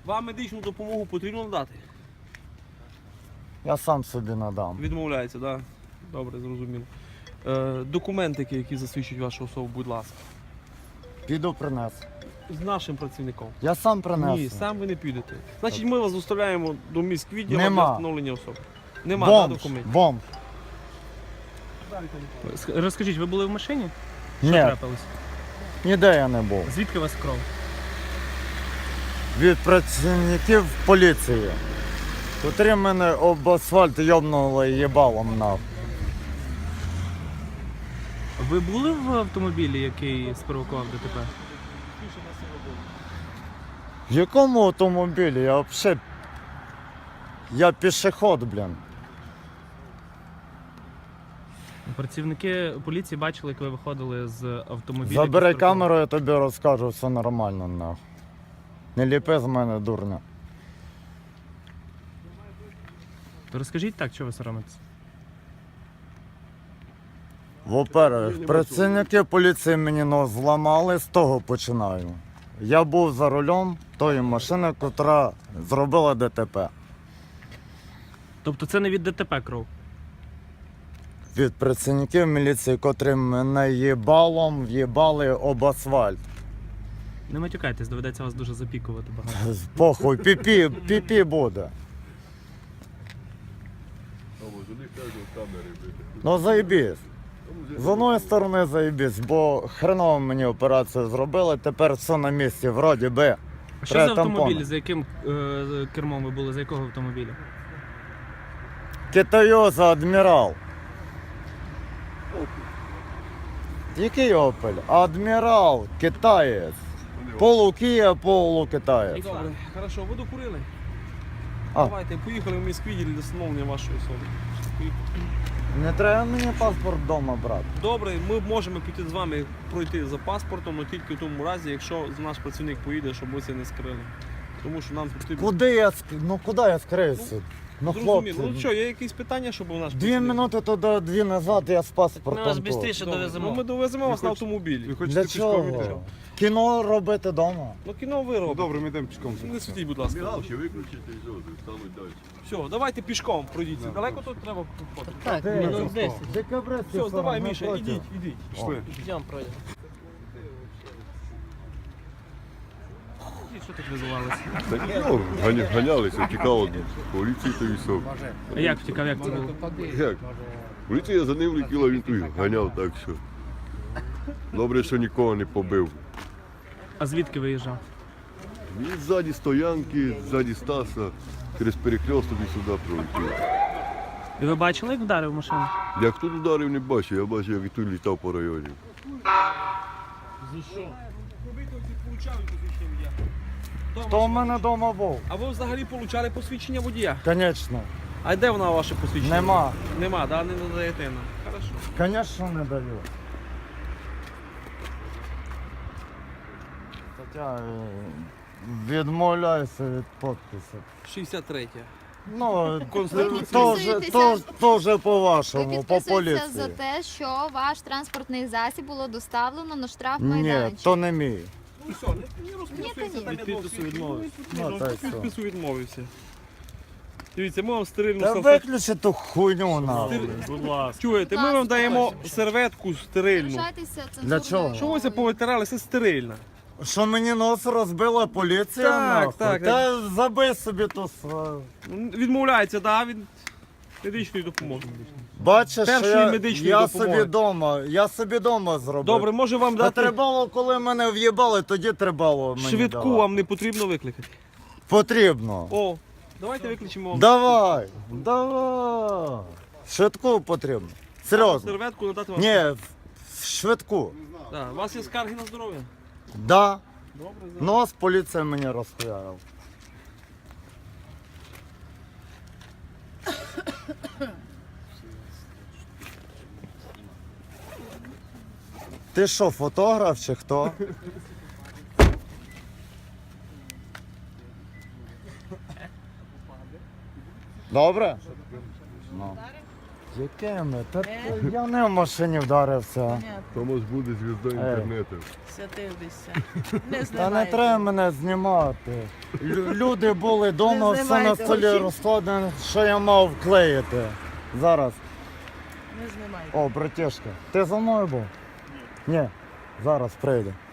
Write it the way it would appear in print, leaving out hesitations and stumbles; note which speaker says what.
Speaker 1: Вам медичну допомогу потрібно надати?
Speaker 2: Я сам собі надам.
Speaker 1: Відмовляється, так? Да? Добре, зрозуміло. Документи, які засвідчують вашу особу, будь ласка.
Speaker 2: Піду принесу.
Speaker 1: З нашим працівником.
Speaker 2: Я сам принесу.
Speaker 1: Ні, сам ви не підете. Значить, ми вас доставляємо до міськвідділу для
Speaker 2: Нема.
Speaker 1: встановлення особи. Нема
Speaker 2: Бомж,
Speaker 1: документів.
Speaker 2: бомж.
Speaker 3: Розкажіть, ви були в машині? Що
Speaker 2: Ні,
Speaker 3: трапилось?
Speaker 2: ніде я не був.
Speaker 3: Звідки у вас кров?
Speaker 2: Від працівників поліції, котрі мене об асфальт йобнули їбалом нахуй.
Speaker 3: Ви були в автомобілі, який спровокував ДТП?
Speaker 2: В якому автомобілі? Я взагалі... Я пішохід, блін.
Speaker 3: Працівники поліції бачили, як ви виходили з автомобіля.
Speaker 2: Забери
Speaker 3: який спровокував.
Speaker 2: камеру, я тобі розкажу, все нормально нахуй. Не ліпи з мене, дурня.
Speaker 3: То розкажіть так, що ви соромитесь?
Speaker 2: Во-первых, працівники поліції мені нос зламали, з того починаю. Я був за рулем тої машини, яка зробила ДТП.
Speaker 3: Тобто це не від ДТП кров?
Speaker 2: Від працівників міліції, котрі мене їбалом в'їбали об асфальт.
Speaker 3: Не матюкайтесь, доведеться вас дуже запікувати багато.
Speaker 2: Похуй, піпі буде. Ну заєбісь. З одної сторони заєбісь, бо хреново мені операцію зробили, тепер все на місці, вроді би.
Speaker 3: А що за
Speaker 2: Треба
Speaker 3: автомобіль?
Speaker 2: тампони.
Speaker 3: За яким кермом ви були? За якого автомобіля?
Speaker 2: Китайоза Адмірал. Який Опель? Адмірал, китаєць. Полукія, полукитаєць.
Speaker 1: Добре, хорошо, ви докурили?
Speaker 2: А.
Speaker 1: Давайте, поїхали в міськвідділ для встановлення вашої особи.
Speaker 2: Не треба мені паспорт вдома брати.
Speaker 1: Добре, ми можемо піти з вами пройти за паспортом, але тільки в тому разі, якщо наш працівник поїде, щоб ви це не скрили. Тому що нам потрібно...
Speaker 2: Куди я скриюся? Ну
Speaker 1: Зрозуміло. Ну
Speaker 2: хлопці,
Speaker 1: що, є якісь питання, щоб у наш
Speaker 2: 2 минути туди, 2 назад, я з паспортом тут.
Speaker 1: Добре, ну, ми довеземо вас на автомобілі.
Speaker 2: Для чого? Кіно робити вдома.
Speaker 1: Ну кіно ви робите.
Speaker 4: Добре, ми йдемо пішком.
Speaker 1: Не світіть, будь ласка.
Speaker 5: Мігалки виключити і все, стануть далі.
Speaker 1: Все, давайте пішком пройдіться. Далеко тут треба проходити?
Speaker 3: Так,
Speaker 2: минут
Speaker 3: 10.
Speaker 2: Декабристи.
Speaker 1: Все, давай,
Speaker 2: не
Speaker 1: Міша,
Speaker 2: проти.
Speaker 1: ідіть.
Speaker 4: Пішли.
Speaker 3: Йдемо пройдемо. Що тут визувалося?
Speaker 5: Та нічого, ганялися, тікало від поліції та військов.
Speaker 3: А як втікав, як це було?
Speaker 5: Як? Поліція за ним летіла, він тут ганяв, так що. Добре, що нікого не побив.
Speaker 3: А звідки виїжджав?
Speaker 5: Він ззаді стоянки, ззаді Стаса, через перехресток і сюди пролетів.
Speaker 3: І ви бачили, як вдарив машину?
Speaker 5: Як тут ударив, не бачив, я бачив, як і тут літав по районі.
Speaker 2: Хто в мене вдома був?
Speaker 1: А ви взагалі отримали посвідчення водія?
Speaker 2: Звісно.
Speaker 1: А де вона ваше посвідчення?
Speaker 2: Нема.
Speaker 1: Нема, да? Не надаєте нам. Хорошо.
Speaker 2: Звісно, не даю. Хоча відмовляюся від підпису.
Speaker 1: 63.
Speaker 2: Ну,
Speaker 1: Конституція.
Speaker 2: то вже
Speaker 6: Ви
Speaker 2: по-вашому, по
Speaker 6: підписуєтеся за
Speaker 2: поліції.
Speaker 6: те, що ваш транспортний засіб було доставлено на
Speaker 2: Ні,
Speaker 6: штрафмайданчик.
Speaker 2: то не мій.
Speaker 1: Ну все, не розписується, там
Speaker 6: Ні,
Speaker 1: я підпису відмовився.
Speaker 2: Ну, так що.
Speaker 1: Підпису відмовився. Дивіться, ми вам стерильну
Speaker 2: Та
Speaker 1: салфетку.
Speaker 2: виключи ту хуйню нахуй.
Speaker 3: Будь ласка.
Speaker 1: Чуєте, ми вам даємо серветку стерильну.
Speaker 6: Залишайтеся
Speaker 2: Для чого?
Speaker 6: цензурною
Speaker 1: Що ви це
Speaker 6: мовою.
Speaker 1: повитирали, це стерильна.
Speaker 2: Що мені нос розбила поліція?
Speaker 1: Так,
Speaker 2: нахуй?
Speaker 1: так.
Speaker 2: Та забий собі ту свою.
Speaker 1: Відмовляється, да, від медичної допомоги.
Speaker 2: Бачиш, що
Speaker 1: Першої медичної
Speaker 2: я
Speaker 1: допомоги.
Speaker 2: собі дома зробив.
Speaker 1: Добре, може вам
Speaker 2: Та
Speaker 1: дати
Speaker 2: треба, коли мене в'їбали, тоді треба мені
Speaker 1: швидку,
Speaker 2: давати.
Speaker 1: вам не потрібно викликати.
Speaker 2: Потрібно.
Speaker 1: О, давайте викличемо вам
Speaker 2: Давай. Швидку потрібно. Серйозно.
Speaker 1: серветку, надати вам.
Speaker 2: Ні, швидку.
Speaker 1: Да. У вас є скарги на здоров'я?
Speaker 2: Да.
Speaker 1: Добре,
Speaker 2: Нос поліція мені розхуярив. Ти що, фотограф чи хто? Добре? Ну. Якими? Я не в машині вдарився.
Speaker 4: Понятно.
Speaker 5: Томас буде звіздою інтернету.
Speaker 4: Святив бися. Не
Speaker 2: Та не
Speaker 4: знімайте.
Speaker 2: треба мене знімати. Люди були вдома,
Speaker 4: Не
Speaker 2: все на
Speaker 4: знімайте,
Speaker 2: столі
Speaker 4: очі.
Speaker 2: розкладено, що я мав вклеїти. Зараз.
Speaker 4: Не знімайте.
Speaker 2: О, братішка, ти за мною був? Ні. Зараз прийде.